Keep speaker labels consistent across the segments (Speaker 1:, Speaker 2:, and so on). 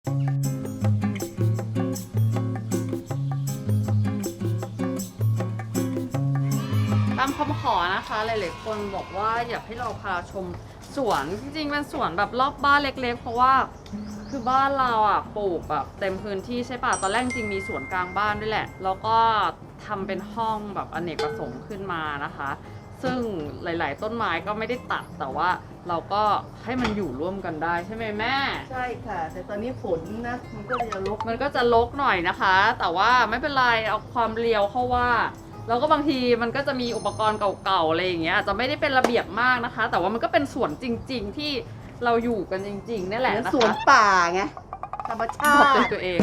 Speaker 1: ตามคำขอนะคะหลายๆคนบอกว่าอยากให้เราพาชมสวนจริงๆเป็นสวนแบบรอบบ้านเล็กๆเพราะว่าคือบ้านเราอ่ะปลูกแบบเต็มพื้นที่ใช่ป่ะตอนแรกจริงมีสวนกลางบ้านด้วยแหละแล้วก็ทำเป็นห้องแบบอเนกประสงค์ขึ้นมานะคะซึ่งหลายๆต้นไม้ก็ไม่ได้ตัดแต่ว่าเราก็ให้มันอยู่ร่วมกันได้ใช่ไหมแม่
Speaker 2: ใช่ค่ะแต่ตอนนี้ฝนนะมันก็จะรก
Speaker 1: หน่อยนะคะแต่ว่าไม่เป็นไรเอาความเรียวเข้าว่าแล้วก็บางทีมันก็จะมีอุปกรณ์เก่าๆอะไรอย่างเงี้ยอาจจะไม่ได้เป็นระเบียบมากนะคะแต่ว่ามันก็เป็นสวนจริงๆที่เราอยู่กันจริงๆนี่แหละนะคะ
Speaker 2: สวนป่าไงธรรมชา
Speaker 1: ขอบ
Speaker 2: ติ
Speaker 1: ตัวเอง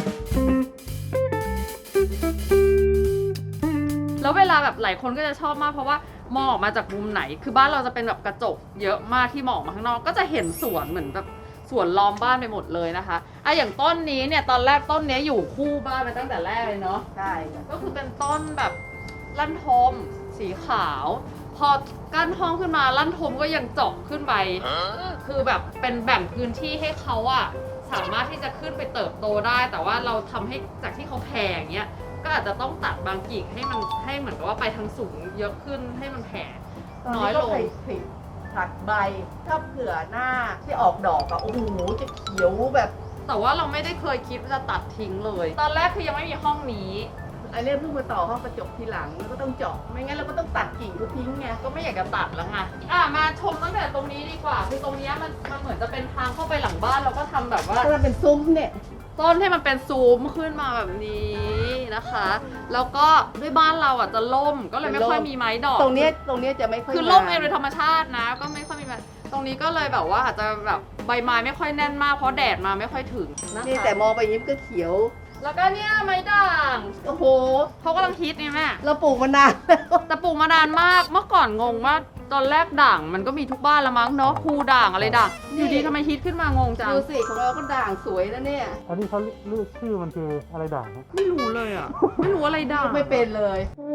Speaker 1: แล้วเวลาแบบหลายคนก็จะชอบมากเพราะว่ามองออกมาจากมุมไหนคือบ้านเราจะเป็นแบบกระจกเยอะมากที่มองออกมาข้างนอกก็จะเห็นสวนเหมือนแบบสวนล้อมบ้านไปหมดเลยนะคะอย่างต้นนี้เนี่ยตอนแรกต้นนี้อยู่คู่บ้านมาตั้งแต่แรกเลยเนาะ
Speaker 2: ใช่ค่ะ
Speaker 1: ก็คือเป็นต้นแบบลั่นทมสีขาว พอกั้นห้องขึ้นมาลั่นทมก็ยังเจาะขึ้นไปคือแบบเป็นแบ่งพื้นที่ให้เขาอะสามารถที่จะขึ้นไปเติบโตได้ แต่ว่าเราทำให้จากที่เขาแผ่อย่างเงี้ยก็อาจจะต้องตัดบางกิ่งให้มันให้เหมือนกับว่าไปทางสูงเยอะขึ้นให้มันแผ่น้อยลง
Speaker 2: ผลิผัดใบถ้าเผื่อหน้าที่ออกดอกอะโอ้โหจะเขียวแบบ
Speaker 1: แต่ว่าเราไม่ได้เคยคิดว่าจะตัดทิ้งเลย ตอนแรกคือยังไม่มีห้องนี้
Speaker 2: อันนี้เพิ่งมาต่อห้องกระจกทีหลังแล้วก็ต้องเจาะไม่งั้นเราก็ต้องตัดกิ่งก็ทิ้งไง
Speaker 1: ก็ไม่อยากจะตัดแล้วไงมาชมตั้งแต่ตรงนี้ดีกว่า คือตรงนี้มันเหมือนจะเป็นทางเข้าไปหลังบ้านเราก็ทำแบบว่า
Speaker 2: ถ้าเป็นซุ้มเนี่ย
Speaker 1: ต้นให้มันเป็นซูมขึ้นมาแบบนี้นะคะ แล้วก็ด้วยบ้านเราอ่ะจะล่มก็เลยไม่ค่อยมีไม้ดอก
Speaker 2: ตรงเนี้ยจะไม่ค่อย
Speaker 1: คือล่ม
Speaker 2: งา
Speaker 1: เองโดยธรรมชาตินะ ก็ไม่ค่อยมีไม้ตรงนี้ก็เลยแบบว่าอาจจะแบบใบไม้ไม่ค่อยแน่นมากเพราะแดดมาไม่ค่อยถึงนะคะ
Speaker 2: นี่แต่มองไปยิ้มก็เขียว
Speaker 1: แล้วก็เนี่ยไม้ด่าง
Speaker 2: โอ้โห
Speaker 1: เขากำลังฮิตนี่แม่
Speaker 2: เราปลูกมานานแล้ว
Speaker 1: แต่ปลูกมานานมากเมื่อก่อนงงว่าตอนแรกด่างมันก็มีทุกบ้านละมั้งเนาะภูด่างอะไรด่างอยู่ดีทำไมฮิตขึ้นมางงจัง
Speaker 2: ดูสิของเราก็ด่างสวยนะเนี่ย
Speaker 3: อันนี้เขาเรียกชื่อมันคืออะไรด่างครับ
Speaker 1: ไม่รู้เลยอ่ะ ไม่รู้อะไรด่าง
Speaker 2: ไม่เป็นเลย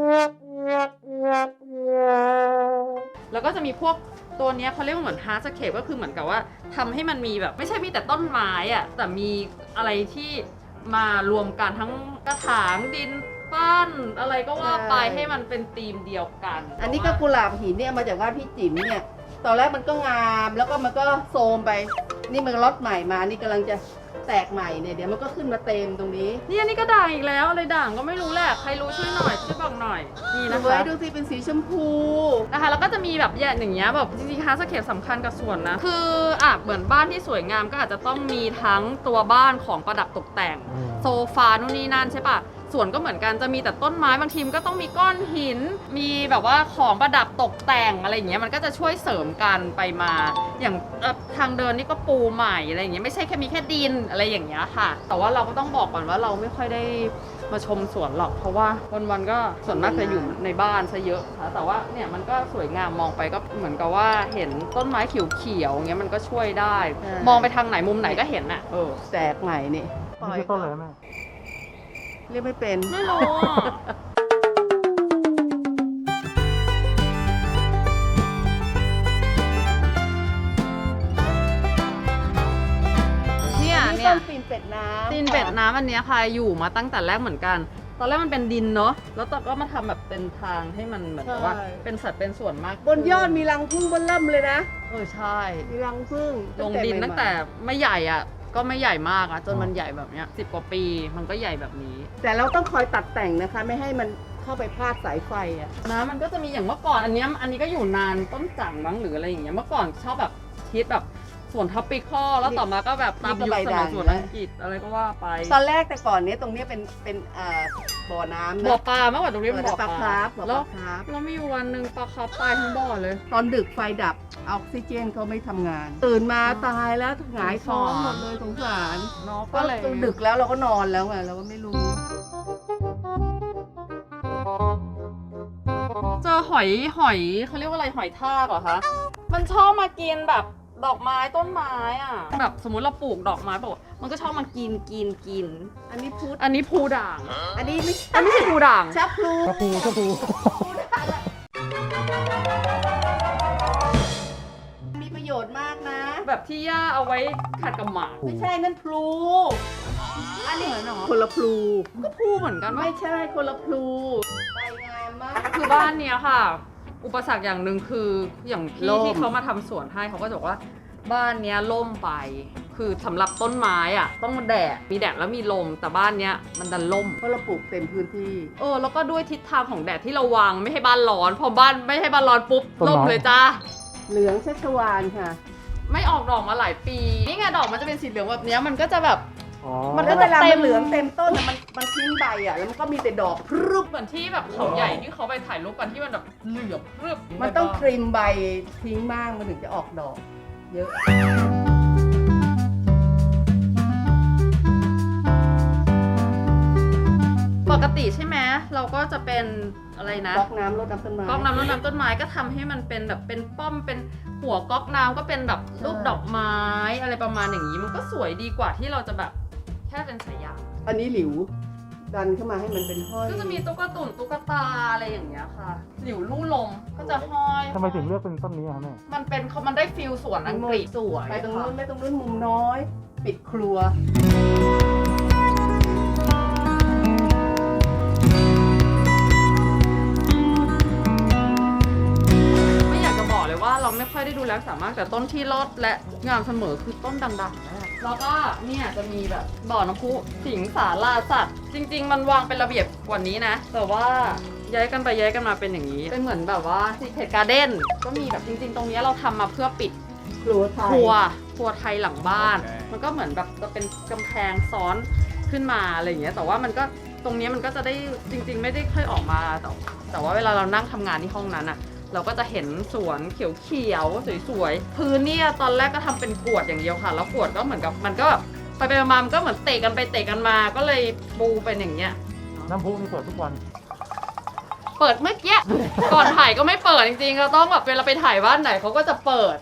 Speaker 1: แล้วก็จะมีพวกตัวเนี้ยเขาเรียกว่าเหมือนฮาร์ดสเคปก็คือเหมือนกับว่าทำให้มันมีแบบไม่ใช่มีแต่ต้นไม้อ่ะแต่มีอะไรที่มารวมกันทั้งกระถางดินปั้นอะไรก็ว่าไป
Speaker 2: ใช่
Speaker 1: ให้มันเป็นธีมเดียวกัน
Speaker 2: อันนี้ก็กุหลาบหินเนี่ยมาจากบ้านพี่จิ๋มเนี่ย ตอนแรกมันก็งามแล้วก็มันก็โทรมไป นี่มันล็อตใหม่มา นี่กำลังจะแตกใหม่เนี่ยเดี๋ยวมันก็ขึ้นมาเต็มตรงนี้
Speaker 1: นี่อันนี้ก็ด่างอีกแล้วอะไรด่างก็ไม่รู้แหละใครรู้ช่วยหน่อยช่วยบอกหน่อยนี่
Speaker 2: ดู
Speaker 1: นะ
Speaker 2: ไว้
Speaker 1: คะ
Speaker 2: ดูสิเป็นสีชมพู
Speaker 1: นะคะแล้วก็จะมีแบบอย่างเงี้ยแบบจริงๆฮาร์ดสเคปสำคัญกับส่วนนะคือเหมือนบ้านที่สวยงามก็อาจจะต้องมีทั้งตัวบ้านของประดับตกแต่ง โซฟานู่นนี่นั่นใช่ปะส่วนก็เหมือนกันจะมีแต่ต้นไม้บางทีมนก็ต้องมีก้อนหิน มีแบบว่าของประดับตกแต่งอะไรอย่างเงี้ยมันก็จะช่วยเสริมกันไปมา อย่างทางเดินนี่ก็ปูใหม่อะไรอย่างเงี้ยไม่ใช่แค่มีแค่ดินอะไรอย่างเงี้ยค่ะ แต่ว่าเราก็ต้องบอกก่อนว่าเราไม่ค่อยได้มาชมสวนหรอกเพราะว่าวันๆก็ส่วนมากจะอยู่ในบ้านซะเยอะค่ะแต่ว่าเนี่ยมันก็สวยงามมองไปก็เหมือนกับว่าเห็นต้นไม้เขียวๆอย่างเงี้ยมันก็ช่วยได้ มองไปทางไหนมุมไหนก็เห็นน่ะ
Speaker 2: แตกใหม่นี่
Speaker 3: อันนี้คือต้นอะไรแม่
Speaker 2: เรียกไม่เป็น
Speaker 1: ไม่รู้อ่ะ เนี่ย
Speaker 2: ต้นตีนเป็ดน้ำ
Speaker 1: ตีนเป็ดน้ำอันเนี้ยค่ะอยู่มาตั้งแต่แรกเหมือนกัน ตอนแรกมันเป็นดินเนาะแล้วตอนก็มาทำแบบเป็นทางให้มันเหมือนกับว่าเป็นสัดเป็นส่วนมาก
Speaker 2: บนยอดมีรังผึ้งบนเริ่มเลยนะ
Speaker 1: ใช่
Speaker 2: มีรังผึ้ง
Speaker 1: ลงดินตั้งแต่ไม่ใหญ่อ่ะก็ไม่ใหญ่มากอ่ะจนมันใหญ่แบบเนี้ย10 กว่าปีมันก็ใหญ่แบบนี้
Speaker 2: แต่เราต้องคอยตัดแต่งนะคะ ไม่ให้มันเข้าไปพาดสายไฟอ่ะ
Speaker 1: นะมันก็จะมีอย่างเมื่อก่อนอันนี้ก็อยู่นานต้นจังมั้งหรืออะไรอย่างเงี้ยเมื่อก่อนชอบแบบคิดแบบสวนท็อปปิคอลแล้วต่อมาก็แบบตามยุคสมัยสวนอังกฤษอะไรก็ว่าไป
Speaker 2: ตอนแรกแต่ก่อนเนี้ยตรงเนี้ยเป็นบ่อน้ำนะ
Speaker 1: บ่อปลาเมื่อก่อนตรงนี้เป็นบ่อ
Speaker 2: ปลาคาร์ฟบ่อ
Speaker 1: แล้ว
Speaker 2: ปลาคาร์ฟ
Speaker 1: แล้วมีอยู่วันหนึ่งปลาคาร์ฟตายทั้งบ่อเลย
Speaker 2: ตอนดึกไฟดับออกซิเจนเขาไม่ทำงาน ตื่นมาตายแล้วหงายท้องหมดเลยสงสาร
Speaker 1: เนาะ
Speaker 2: ก็
Speaker 1: ก็เลย
Speaker 2: ดึกแล้วเราก็นอนแล้วไงเราก็ไม่รู้
Speaker 1: เจอหอยเขาเรียกว่าอะไรหอยทากเหรอคะมันชอบมากินแบบดอกไม้ต้นไม้อ่ะแบบสมมุติเราปลูกดอกไม้บอกมันก็ชอบมากิน
Speaker 2: อันนี้พุทธ
Speaker 1: อันนี้ภูด่าง
Speaker 2: อันนี้ไม่
Speaker 1: อันไม่ใช่ภูด่าง
Speaker 2: ชับพลู
Speaker 3: กระพูกระพู
Speaker 2: มีประโยชน์มากนะ
Speaker 1: แบบที่ย่าเอาไว้ขัดกับหมา
Speaker 2: ไม่ใช่นั่นพลู
Speaker 1: อันนี้เหรอ
Speaker 2: คนละพลู
Speaker 1: ก็พูเหมือนกันว่า
Speaker 2: ไม่ใช่คนละพลูใบงามมาก
Speaker 1: คือบ้านเนี้ยค่ะ อุปสรรคอย่างหนึ่งคืออย่างพี่
Speaker 2: ร่ม
Speaker 1: ที่เขามาทำสวนให้เขาก็จะบอกว่าบ้านเนี้ยล่มไป คือสำหรับต้นไม้อ่ะต้องแดดมีแดดแล้วมีลมแต่บ้านเนี้ยมันดันล่ม
Speaker 2: เพราะเราปลูกเต็มพื้นที่
Speaker 1: แล้วก็ด้วยทิศทางของแดดที่เราวางไม่ให้บ้านร้อนพอบ้านไม่ให้บ้านร้อนปุ๊บล่มเลยจ้า
Speaker 2: เหลืองชัชวานค่ะ
Speaker 1: ไม่ออกดอกมาหลายปีนี่ไงดอกมันจะเป็นสีเหลืองแบบเนี้ยมันก็จะแบบ
Speaker 3: อ๋อ
Speaker 1: มัน
Speaker 2: แล้วเวลามันเหลืองเต็มต้นน่ะมันทิ้งใบอ่ะแล้วมันก็มีแต่ดอกพรึบ
Speaker 1: เหมือนที่แบบเขาใหญ่ที่เขาไปถ่ายรูปกันที่มันแบบเหลืองพรึบ
Speaker 2: มันต้องทริมใบทิ้งบ้างมันถึงจะออกดอก เยอะ
Speaker 1: ปกติใช่ไหมเราก็จะเป็นอะไรนะ
Speaker 2: ก๊อกน้ำรดน้ำต้นไม้
Speaker 1: ก๊อกน้ำรดน้ำต้นไม้ก็ทำให้มันเป็นแบบเป็นป้อมเป็นหัวก๊อกน้ำก็เป็นแบบรูปดอกไม้อะไรประมาณอย่างนี้มันก็สวยดีกว่าที่เราจะแบบแค่เป็นสายยาง
Speaker 2: อันนี้หลิว ดันเข้ามาให้มันเป็นห้อย
Speaker 1: ก็จะมีตุ๊กตุ่นตุ๊กตาอะไรอย่างเงี้ยค่ะหลิวลู่ลมก็จะห้อย
Speaker 3: ทำไมถึงเลือกเป็นต้นนี้อะแม่
Speaker 1: มันได้ฟิลสวนอังกฤษสวย
Speaker 2: ไปตรงนู้นไม่ตรงนู้นมุมน้อย ปิดครัว
Speaker 1: ไม่อยากจะบอกเลยว่าเราไม่ค่อยได้ดูแลสามารถแต่ต้นที่รอดและงามเสมอคือต้นดังๆนั่นแหละแล้วก็เนี่ยจะมีแบบบ่อน้ำพุสิงสาราสัตว์จริง ๆ มันวางเป็นระเบียบกว่านี้นะแต่ว่าย้ายกันไปย้ายกันมาเป็นอย่างนี้เป็นเหมือนแบบว่าซีเคทการ์เด้นก็มีแบบจริง ๆ ตรงนี้เราทำมาเพื่อปิด
Speaker 2: ครัวไทย
Speaker 1: ครัวไทยหลังบ้าน มันก็เหมือนแบบจะเป็นกำแพงซ้อนขึ้นมาอะไรอย่างเงี้ยแต่ว่ามันก็ตรงนี้มันก็จะได้จริง ๆ ไม่ได้ค่อยออกมาแต่ว่าเวลาเรานั่งทำงานที่ห้องนั้นอะเราก็จะเห็นสวนเขียวๆสวยๆพื้นเนี่ยตอนแรกก็ทำเป็นกรวดอย่างเดียวค่ะแล้วกรวดก็เหมือนกับมันก็แบบไปมามันก็เหมือนเตะกันไปเตะกันมาก็เลยปูเป็นอย่างเงี้ย
Speaker 3: น้ำพุนี่เปิดทุกวัน
Speaker 1: เปิดเมื่อกี้ก่อนถ่ายก็ไม่เปิดจริงๆเราต้องแบบเวลาไปถ่ายบ้านไหนเขาก็จะเปิด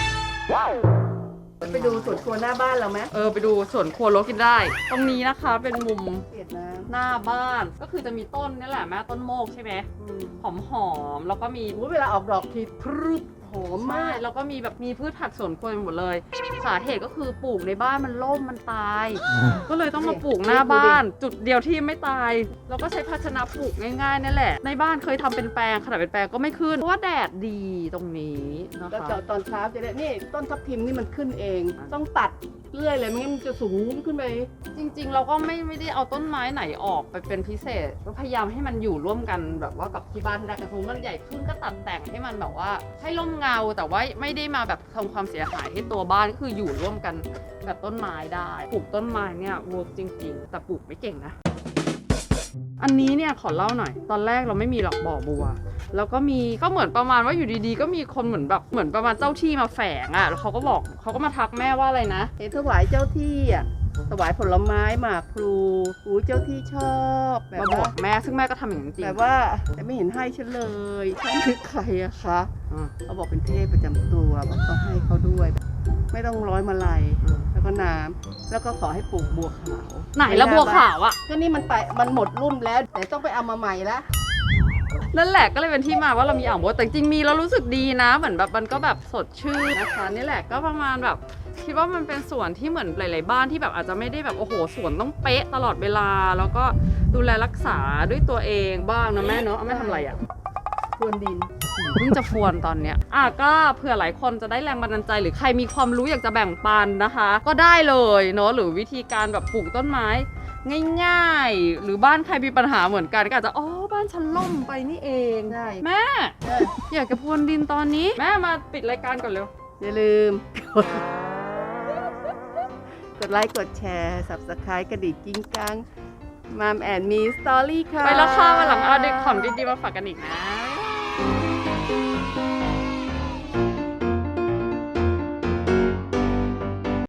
Speaker 2: ไปดูสวนครัวหน้าบ้านเราไหม
Speaker 1: ไปดูสวนครัวรถกินได้ ตรงนี้นะคะเป็นมุม
Speaker 2: เปียดน้
Speaker 1: หน้าบ้านก็คือจะมีต้นนี่แหละแม่ต้นโมกใช่ไหม
Speaker 2: ำ
Speaker 1: หอมๆแล้วก็มี
Speaker 2: เวลาออกดอกทีพรึบหอม
Speaker 1: ไม้
Speaker 2: มาก
Speaker 1: แล้วก็มีแบบมีพืชผักสวนครัวหมดเลย สาเหตุก็คือปลูกในบ้านมันล่มมันตาย ก็เลยต้องมาปลูกหน้าบ้าน จุดเดียวที่ไม่ตายแล้วก็ใช้ภาชนะปลูกง่ายๆนั่นแหละในบ้านเคยทำเป็นแปลงขนาดเป็นแปลงก็ไม่ขึ้นเพราะว่าแดดดีตรงนี้นะ
Speaker 2: แล้ว
Speaker 1: คะ
Speaker 2: ตอนเช้าจะได้นี่ต้นทับทิมนี่มันขึ้นเอง ต้องตัดเรื่อยเลยไม่งั้นมันจะสูงขึ้นไป
Speaker 1: จริงๆ เราก็ไม่ได้เอาต้นไม้ไหนออกไปเป็นพิเศษก็พยายามให้มันอยู่ร่วมกันแบบว่ากับที่บ้านได้กระทุ้งมันใหญ่ขึ้นก็ตัดแต่งให้มันแบบว่าให้ร่มเงาแต่ว่าไม่ได้มาแบบทำความเสียหายให้ตัวบ้านก็คืออยู่ร่วมกันแบบต้นไม้ได้ปลูกต้นไม้เนี่ยเวิร์กจริงๆ แต่ปลูกไม่เก่งนะ อันนี้เนี่ยขอเล่าหน่อย ตอนแรกเราไม่มีหรอกบ่อบัว แล้วก็มีก็เหมือนประมาณว่าอยู่ดีๆ ก็มีคนเหมือนแบบเหมือนประมาณเจ้าที่มาแฝงอ่ะแล้วเขาก็บอกเขาก็มาทักแม่ว่าอะไรนะ
Speaker 2: เห็นถวายเจ้าที่อ่ะถวายผลไม้หมากพลูอู้เจ้าที่ชอบแบบ
Speaker 1: มาบอ
Speaker 2: ว่าก
Speaker 1: แม่ซึ่งแม่ก็ทำอย่างนั้นจริง
Speaker 2: แบบว่าแต่ไม่เห็นให้ฉันเลยฉันคือใครอะคะ
Speaker 1: อืม
Speaker 2: เขาบอกเป็นเทพประจำตัวบอกต้องให้เขาด้วย ไม่ต้องร้อยมาลัย
Speaker 1: อืม
Speaker 2: แล้วก็น้ำแล้วก็ขอให้ปลูกบัวขาว
Speaker 1: ไหนละบัวขาวอ่ะ
Speaker 2: ก็นี่มันหมดรุ่นแล้วแต่ต้องไปเอามาใหม่ละ
Speaker 1: นั่นแหละก็เลยเป็นที่มาว่าเรามีอ่างบัวแต่จริงๆมีแล้วรู้สึกดีนะเหมือนแบบมันก็แบบสดชื่นนะคะนี่แหละก็ประมาณแบบคิดว่ามันเป็นสวนที่เหมือนหลาย ๆ บ้านที่แบบอาจจะไม่ได้แบบโอ้โหสวนต้องเป๊ะตลอดเวลา แล้วก็ดูแลรักษาด้วยตัวเองบ้างนะแม่เนาะแม่ทำอะไรอ่ะ
Speaker 2: พรวนดิน
Speaker 1: เพิ่งจะพรวนตอนเนี้ยก็เผื่อหลายคนจะได้แรงบันดาลใจ หรือใครมีความรู้อยากจะแบ่งปันนะคะ ก็ได้เลยเนาะหรือวิธีการแบบปลูกต้นไม้ง่ายๆ หรือบ้านใครมีปัญหาเหมือนกันก็อาจจะบ้านฉันล่มไปนี่เอง
Speaker 2: ใช่
Speaker 1: แม่ อยากจะพรวนดินตอนนี้แม่มาปิดรายการก่อนเร็ว
Speaker 2: อย่าลืม กดไลค์กดแชร์ Subscribe กระดิ่งกิ้งกังมามแอนมีสตอรี่ค่ะ
Speaker 1: ไปแล้วค่ะวันหลังเอาเด็กของดีๆมาฝากกันอีกนะ